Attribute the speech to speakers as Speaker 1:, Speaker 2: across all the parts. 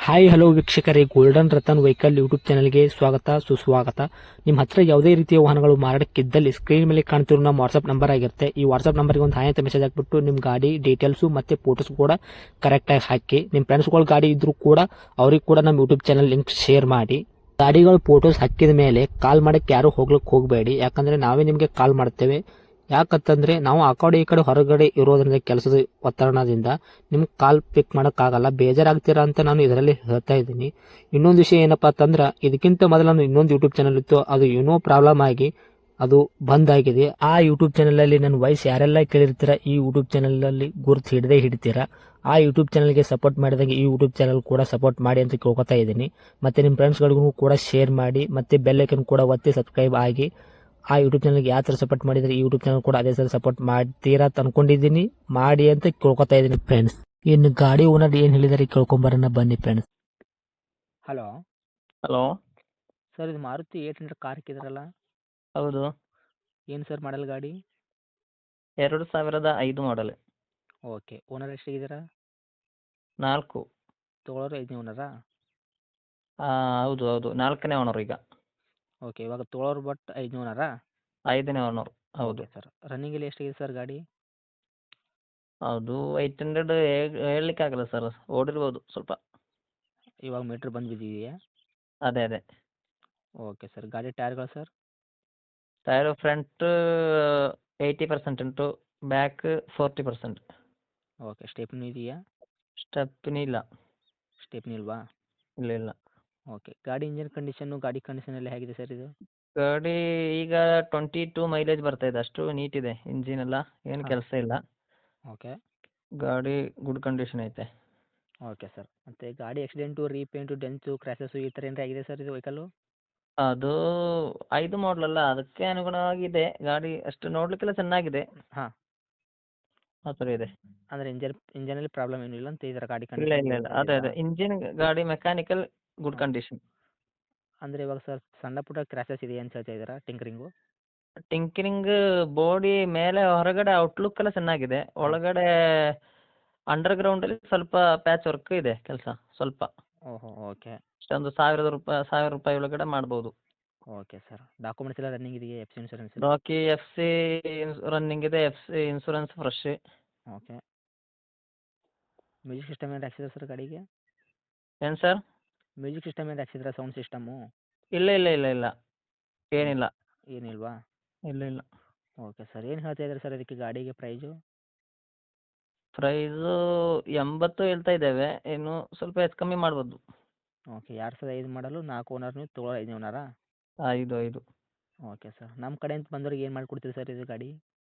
Speaker 1: Hi hello ವೀಕ್ಷಕರೇ, golden Ratan vehicle YouTube ಚಾನಲ್ಗೆ ಸ್ವಾಗತ ಸುಸ್ವಾಗತ. ನಿಮ್ಮ ಹತ್ರ ಯಾವುದೇ ರೀತಿಯ ವಾಹನಗಳು ಮಾರಾಟಕ್ಕಿದ್ದಲ್ಲಿ ಸ್ಕ್ರೀನ್ ಮೇಲೆ ಕಾಣ್ತಿರೋ ನಮ್ಮ ವಾಟ್ಸ್ಆಪ್ ನಂಬರ್ ಆಗಿರುತ್ತೆ. ಈ ವಾಟ್ಸ್ಆಪ್ ನಂಬರ್ಗೆ ಒಂದು ಹಾಯ್ ಅಂತ ಮೆಸೇಜ್ ಹಾಕ್ಬಿಟ್ಟು ನಿಮ್ಮ ಗಾಡಿ ಡೀಟೇಲ್ಸು ಮತ್ತೆ ಫೋಟೋಸ್ ಕೂಡ ಕರೆಕ್ಟಾಗಿ ಹಾಕಿ. ನಿಮ್ಮ ಫ್ರೆಂಡ್ಸ್ಗಳ ಗಾಡಿ ಇದ್ರೂ ಕೂಡ ಅವ್ರಿಗೆ ಕೂಡ ನಮ್ಮ ಯೂಟ್ಯೂಬ್ ಚಾನಲ್ ಲಿಂಕ್ ಶೇರ್ ಮಾಡಿ. ಗಾಡಿಗಳು ಫೋಟೋಸ್ ಹಾಕಿದ ಮೇಲೆ ಕಾಲ್ ಮಾಡಕ್ಕೆ ಯಾರು ಹೋಗ್ಲಿಕ್ಕೆ ಹೋಗಬೇಡಿ, ಯಾಕಂದ್ರೆ ನಾವೇ ನಿಮಗೆ ಕಾಲ್ ಮಾಡ್ತೇವೆ. ಯಾಕಂತಂದ್ರೆ ನಾವು ಆ ಕಡೆ ಈ ಕಡೆ ಹೊರಗಡೆ ಇರೋದ್ರಿಂದ ಕೆಲಸದ ಒತ್ತಡದಿಂದ ನಿಮ್ಗೆ ಕಾಲ್ ಪಿಕ್ ಮಾಡೋಕ್ಕಾಗಲ್ಲ, ಬೇಜಾರಾಗ್ತೀರಾ ಅಂತ ನಾನು ಇದರಲ್ಲಿ ಹೇಳ್ತಾ ಇದ್ದೀನಿ. ಇನ್ನೊಂದು ವಿಷಯ ಏನಪ್ಪಾ ಅಂತಂದ್ರೆ, ಇದಕ್ಕಿಂತ ಮೊದಲು ನಾನು ಇನ್ನೊಂದು ಯೂಟ್ಯೂಬ್ ಚಾನಲ್ ಇತ್ತು, ಅದು ಏನೋ ಪ್ರಾಬ್ಲಮ್ ಆಗಿ ಅದು ಬಂದ್ ಆಗಿದೆ. ಆ ಯೂಟ್ಯೂಬ್ ಚಾನಲ್ ಅಲ್ಲಿ ನನ್ನ ವಾಯ್ಸ್ ಯಾರೆಲ್ಲ ಕೇಳಿರ್ತೀರಾ, ಈ ಯೂಟ್ಯೂಬ್ ಚಾನಲ್ ಅಲ್ಲಿ ಗುರುತು ಹಿಡದೇ ಹಿಡಿತೀರಾ. ಆ ಯೂಟ್ಯೂಬ್ ಚಾನಲ್ಗೆ ಸಪೋರ್ಟ್ ಮಾಡಿದಾಗ ಈ ಯೂಟ್ಯೂಬ್ ಚಾನಲ್ ಕೂಡ ಸಪೋರ್ಟ್ ಮಾಡಿ ಅಂತ ಕೇಳ್ಕೊತಾ ಇದ್ದೀನಿ. ಮತ್ತೆ ನಿಮ್ಮ ಫ್ರೆಂಡ್ಸ್ಗಳಿಗೂ ಕೂಡ ಶೇರ್ ಮಾಡಿ, ಮತ್ತೆ ಬೆಲ್ ಐಕನ್ ಕೂಡ ಒತ್ತಿ ಸಬ್ಸ್ಕ್ರೈಬ್ ಆಗಿ. ಆ ಯೂಟ್ಯೂಬ್ ಚಾನಲ್ಗೆ ಯಾವ ಥರ ಸಪೋರ್ಟ್ ಮಾಡಿದ್ರೆ ಈ ಯೂಟ್ಯೂಬ್ ಚಾನಲ್ ಕೂಡ ಅದೇ ಥರ ಸಪೋರ್ಟ್ ಮಾಡ್ತೀರಾ ಅಂತ ಅನ್ಕೊಂಡಿದ್ದೀನಿ. ಮಾಡಿ ಅಂತ ಕೇಳ್ಕೊತಾ ಇದ್ದೀನಿ ಫ್ರೆಂಡ್ಸ್. ಇನ್ನು ಗಾಡಿ ಓನರ್ ಏನು ಹೇಳಿದಾರೆ ಕೇಳ್ಕೊಂಬರೋಣ ಬನ್ನಿ ಫ್ರೆಂಡ್ಸ್. Hello
Speaker 2: hello.
Speaker 1: ಸರ್, ಇದು ಮಾರುತಿ 800 ಕಾರ್ ಹಾಕಿದ್ರಲ್ಲ,
Speaker 2: ಹೌದು,
Speaker 1: ಏನು ಸರ್ ಮಾಡಲ್ ಗಾಡಿ?
Speaker 2: 2005 ಮಾಡಲ್.
Speaker 1: Okay, owner ಎಷ್ಟಾಗಿದ್ದೀರಾ?
Speaker 2: 4.
Speaker 1: ತೊಗೊಳೋರು 5ನೇ ಓನರಾ?
Speaker 2: ಹೌದು ಹೌದು, 4ನೇ ಓನರ್ ಈಗ.
Speaker 1: ಓಕೆ, ಇವಾಗ ತೊಗೊಳೋರು ಬಟ್ 5ನೇ ಓನರಾ?
Speaker 2: 5ನೇ ಓನರ್, ಹೌದು.
Speaker 1: ಓಕೆ ಸರ್, ರನ್ನಿಂಗಲ್ಲಿ ಎಷ್ಟಾಗಿದೆ ಸರ್ ಗಾಡಿ?
Speaker 2: ಅದು 800 ಹೇಳಲಿಕ್ಕಾಗಲ್ಲ ಸರ್, ಓಡಿರ್ಬೋದು ಸ್ವಲ್ಪ.
Speaker 1: ಇವಾಗ ಮೀಟ್ರ್ ಬಂದು ಬಿದ್ದಿದೆಯಾ?
Speaker 2: ಅದೇ ಅದೇ.
Speaker 1: ಓಕೆ ಸರ್, ಗಾಡಿ ಟೈರ್ಗಳು ಸರ್?
Speaker 2: ಟೈರು ಫ್ರಂಟ್ 80% ಉಂಟು, ಬ್ಯಾಕ್ 40%.
Speaker 1: ಓಕೆ, ಸ್ಟೆಪ್ನಿ ಇದೆಯಾ?
Speaker 2: ಸ್ಟೆಪ್ನಿ ಇಲ್ಲ.
Speaker 1: ಸ್ಟೆಪ್ನಿ ಇಲ್ವಾ?
Speaker 2: ಇಲ್ಲ ಇಲ್ಲ.
Speaker 1: ಓಕೆ, ಗಾಡಿ ಇಂಜಿನ್ ಕಂಡೀಷನ್ನು ಗಾಡಿ ಕಂಡೀಷನ್ ಎಲ್ಲ ಹೇಗಿದೆ ಸರ್ ಇದು?
Speaker 2: ಗಾಡಿ ಈಗ 22 ಮೈಲೇಜ್ ಬರ್ತಾ ಇದೆ, ಅಷ್ಟು ನೀಟ್ ಇದೆ. ಇಂಜಿನ್ ಎಲ್ಲ ಏನು
Speaker 1: ಹಾಂ.
Speaker 2: ಕೆಲಸ ಇಲ್ಲ.
Speaker 1: ಓಕೆ.
Speaker 2: ಗಾಡಿ ಗುಡ್ ಕಂಡೀಷನ್ ಐತೆ.
Speaker 1: ಓಕೆ ಸರ್, ಮತ್ತು ಗಾಡಿ ಆಕ್ಸಿಡೆಂಟು, ರೀಪೇಂಟು, ಡೆಂತು, ಕ್ರ್ಯಾಶಸ್ಸು ಈ ಥರ ಏನಾರ ಆಗಿದೆ ಸರ್ ಇದು ವೆಹಿಕಲ್ಲು?
Speaker 2: ಅದು 5 ಮಾಡಲಲ್ಲ, ಅದಕ್ಕೆ ಅನುಗುಣವಾಗಿದೆ ಗಾಡಿ. ಅಷ್ಟು ನೋಡ್ಲಿಕ್ಕೆಲ್ಲ ಚೆನ್ನಾಗಿದೆ,
Speaker 1: ಹಾಂ,
Speaker 2: ಆ ಥರ ಇದೆ.
Speaker 1: ಅಂದರೆ ಇಂಜನಲ್ಲಿ ಪ್ರಾಬ್ಲಮ್ ಏನೂ ಇಲ್ಲ ಅಂತ ಇದರ ಗಾಡಿ
Speaker 2: ಇಲ್ಲ
Speaker 1: ಕಂಡೀಷನ್
Speaker 2: ಇಲ್ಲ ಇಲ್ಲ, ಅದೇ ಅದೇ, ಇಂಜಿನ್ ಗಾಡಿ ಮೆಕ್ಯಾನಿಕಲ್ ಗುಡ್
Speaker 1: ಹಾಂ,
Speaker 2: ಕಂಡೀಷನ್.
Speaker 1: ಅಂದರೆ ಇವಾಗ ಸರ್ ಸಣ್ಣ ಪುಟ್ಟ ಕ್ರ್ಯಾಶಸ್ ಇದೆ ಅಂತ ಹೇಳ್ತಾ ಇದ್ದೀರಾ, ಟಿಂಕರಿಂಗು?
Speaker 2: ಟಿಂಕರಿಂಗ್ ಬಾಡಿ ಮೇಲೆ ಹೊರಗಡೆ ಔಟ್ಲುಕ್ ಎಲ್ಲ ಚೆನ್ನಾಗಿದೆ,
Speaker 1: ಹಾಂ.
Speaker 2: ಒಳಗಡೆ ಅಂಡರ್ಗ್ರೌಂಡಲ್ಲಿ ಸ್ವಲ್ಪ ಪ್ಯಾಚ್ ವರ್ಕ್ ಇದೆ ಕೆಲಸ ಸ್ವಲ್ಪ.
Speaker 1: ಓಹೋ, ಓಕೆ.
Speaker 2: ಅಷ್ಟೊಂದು 1000 ರೂಪಾಯಿ ಒಳಗಡೆ ಮಾಡ್ಬೋದು.
Speaker 1: ಓಕೆ ಸರ್, ಡಾಕ್ಯುಮೆಂಟ್ಸ್ ಎಲ್ಲ ರನ್ನಿಂಗ್ ಇದೆಯಾ? F C insurance?
Speaker 2: ಬಾಕಿ ಎಫ್ ಸಿ ರನ್ನಿಂಗ್ ಇದೆ, F C insurance fresh.
Speaker 1: Okay. Music system ಏನಾರು ಹಾಕ್ಸಿದ್ರಾ ಸರ್ ಗಾಡಿಗೆ?
Speaker 2: ಏನು ಸರ್?
Speaker 1: ಮ್ಯೂಸಿಕ್ ಸಿಸ್ಟಮ್ ಏನಾರು ಹಾಕ್ಸಿದ್ರಾ, ಸೌಂಡ್ ಸಿಸ್ಟಮು?
Speaker 2: ಇಲ್ಲ ಇಲ್ಲ ಇಲ್ಲ ಇಲ್ಲ, ಏನಿಲ್ಲ.
Speaker 1: ಏನಿಲ್ವಾ?
Speaker 2: ಇಲ್ಲ ಇಲ್ಲ.
Speaker 1: ಓಕೆ ಸರ್, ಏನು ಹೇಳ್ತಾ ಇದ್ದೀರಾ ಸರ್ ಇದಕ್ಕೆ ಗಾಡಿಗೆ ಪ್ರೈಜು?
Speaker 2: ಪ್ರೈಸು 80 ಹೇಳ್ತಾ ಇದ್ದೇವೆ, ಇನ್ನು ಸ್ವಲ್ಪ ಹೆಚ್ಚು ಕಮ್ಮಿ ಮಾಡ್ಬೋದು.
Speaker 1: ಓಕೆ, 2005 ಮಾಡಲು 4 ಓನರ್, ನೀವು ತೊಗೊಳ್ಳೋ 5ನೇ ಓನರಾ?
Speaker 2: 5.
Speaker 1: ಓಕೆ ಸರ್, ನಮ್ಮ ಕಡೆಯಿಂದ ಬಂದವ್ರಿಗೆ ಏನು ಮಾಡಿಕೊಡ್ತೀರಿ ಸರ್ ಇದು ಗಾಡಿ?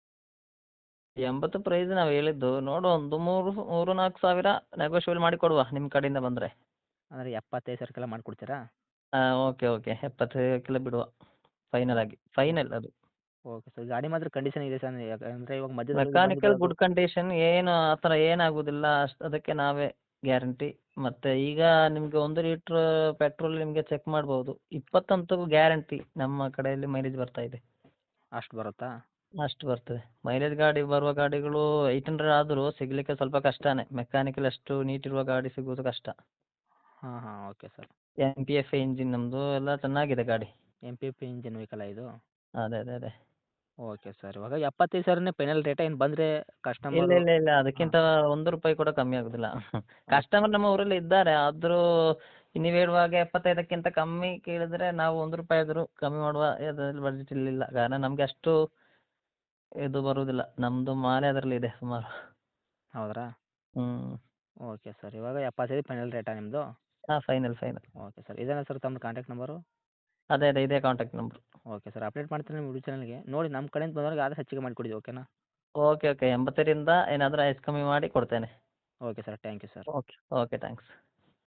Speaker 2: 80 ಪ್ರೈಸ್ ನಾವು ಹೇಳಿದ್ದು, ನೋಡು ಒಂದು 3-4 ಸಾವಿರ ನೆಗೋಷಿಯಬಲ್ ಮಾಡಿ ಕೊಡುವ ನಿಮ್ಮ ಕಡೆಯಿಂದ ಬಂದರೆ.
Speaker 1: ಅಂದರೆ 75,000ಕ್ಕೆಲ್ಲ ಮಾಡಿಕೊಡ್ತೀರಾ?
Speaker 2: ಓಕೆ ಓಕೆ, 75 ಬಿಡುವ ಫೈನಲ್ ಆಗಿ, ಫೈನಲ್ ಅದು.
Speaker 1: ಓಕೆ ಸರ್, ಗಾಡಿ ಮಾತ್ರ ಕಂಡೀಷನ್ ಇದೆ ಸರ್, ಯಾಕಂದರೆ ಇವಾಗ ಮಧ್ಯದಲ್ಲಿ
Speaker 2: ಮೆಕ್ಯಾನಿಕಲ್
Speaker 1: ಬಂದಿದ್ದು
Speaker 2: ಗುಡ್ ಕಂಡೀಷನ್, ಏನು ಆ ಥರ ಏನಾಗೋದಿಲ್ಲ, ಅದಕ್ಕೆ ನಾವೇ ಗ್ಯಾರಂಟಿ. ಮತ್ತು ಈಗ ನಿಮಗೆ 1 ಲೀಟ್ರ್ ಪೆಟ್ರೋಲ್ ನಿಮಗೆ ಚೆಕ್ ಮಾಡ್ಬೋದು, 20 ಅಂತೂ ಗ್ಯಾರಂಟಿ ನಮ್ಮ ಕಡೆಯಲ್ಲಿ ಮೈಲೇಜ್ ಬರ್ತಾ ಇದೆ.
Speaker 1: ಅಷ್ಟು ಬರುತ್ತಾ?
Speaker 2: ಅಷ್ಟು ಬರ್ತದೆ ಮೈಲೇಜ್. ಗಾಡಿ ಬರುವ ಗಾಡಿಗಳು 800 ಆದರೂ ಸಿಗಲಿಕ್ಕೆ ಸ್ವಲ್ಪ ಕಷ್ಟನೇ, ಮೆಕ್ಯಾನಿಕಲ್ ಅಷ್ಟು ನೀಟ್ ಇರುವ ಗಾಡಿ ಸಿಗೋದು ಕಷ್ಟ.
Speaker 1: ಹಾಂ ಹಾಂ, ಓಕೆ ಸರ್.
Speaker 2: MPF ಇಂಜಿನ್ ನಮ್ಮದು, ಎಲ್ಲ ಚೆನ್ನಾಗಿದೆ ಗಾಡಿ.
Speaker 1: MPF ಇಂಜಿನ್ ವೆಹಿಕಲ್ಲ ಇದು?
Speaker 2: ಅದೇ ಅದೇ ಅದೇ.
Speaker 1: ಓಕೆ ಸರ್, ಇವಾಗ 75,000ನೇ ಫೈನಲ್ ರೇಟಾ? ಏನು ಬಂದರೆ
Speaker 2: ಇಲ್ಲ
Speaker 1: ಕಸ್ಟಮರು?
Speaker 2: ಇಲ್ಲ ಇಲ್ಲ,
Speaker 1: ಹಾಂ.
Speaker 2: ಅದಕ್ಕಿಂತ 1 ರೂಪಾಯಿ ಕೂಡ ಕಮ್ಮಿ ಆಗೋದಿಲ್ಲ.
Speaker 1: ಓಕೆ.
Speaker 2: ಕಸ್ಟಮರ್ ನಮ್ಮ ಊರಲ್ಲಿ ಇದ್ದಾರೆ, ಆದರೂ ನೀವು ಹೇಳುವಾಗ 75ಕ್ಕಿಂತ ಕಮ್ಮಿ ಕೇಳಿದರೆ ನಾವು 1 ರೂಪಾಯಿ ಆದರೂ ಕಮ್ಮಿ ಮಾಡುವ ಇದರಲ್ಲಿ ಬಡ್ಜೆಟ್ ಇರಲಿಲ್ಲ, ಕಾರಣ ನಮಗೆ ಅಷ್ಟು ಇದು ಬರುವುದಿಲ್ಲ, ನಮ್ಮದು ಮಾಲೆ ಅದರಲ್ಲಿ ಇದೆ ಸುಮಾರು.
Speaker 1: ಹೌದ್ರಾ?
Speaker 2: ಹ್ಞೂ.
Speaker 1: ಓಕೆ ಸರ್, ಇವಾಗ 75 ಫೈನಲ್ ರೇಟಾ ನಿಮ್ಮದು?
Speaker 2: ಹಾಂ, ಫೈನಲ್ ಫೈನಲ್.
Speaker 1: ಓಕೆ ಸರ್, ಇದೇನಾ ಸರ್ ತಮ್ಮ ಕಾಂಟ್ಯಾಕ್ಟ್ ನಂಬರು?
Speaker 2: ಅದೇ ಅದೇ, ಇದೇ contact number.
Speaker 1: Okay sir, update ಮಾಡ್ತೀನಿ ನಿಮ್ಮ ಯೂಟ್ಯೂಬ್ ಚಾನಲ್ಗೆ. ನೋಡಿ ನಮ್ಮ ಕಡೆಯಿಂದ ಬಂದವ್ರಿಗೆ ಆದಷ್ಟು ಹೆಚ್ಚಿಗೆ ಮಾಡಿಕೊಡಿ, ಓಕೆನಾ?
Speaker 2: ಓಕೆ ಓಕೆ, 80ರಿಂದ ಏನಾದರೂ ಹೆಚ್ಚು ಕಮ್ಮಿ ಮಾಡಿ ಕೊಡ್ತೇನೆ.
Speaker 1: Okay sir, thank you sir.
Speaker 2: Okay okay, thanks.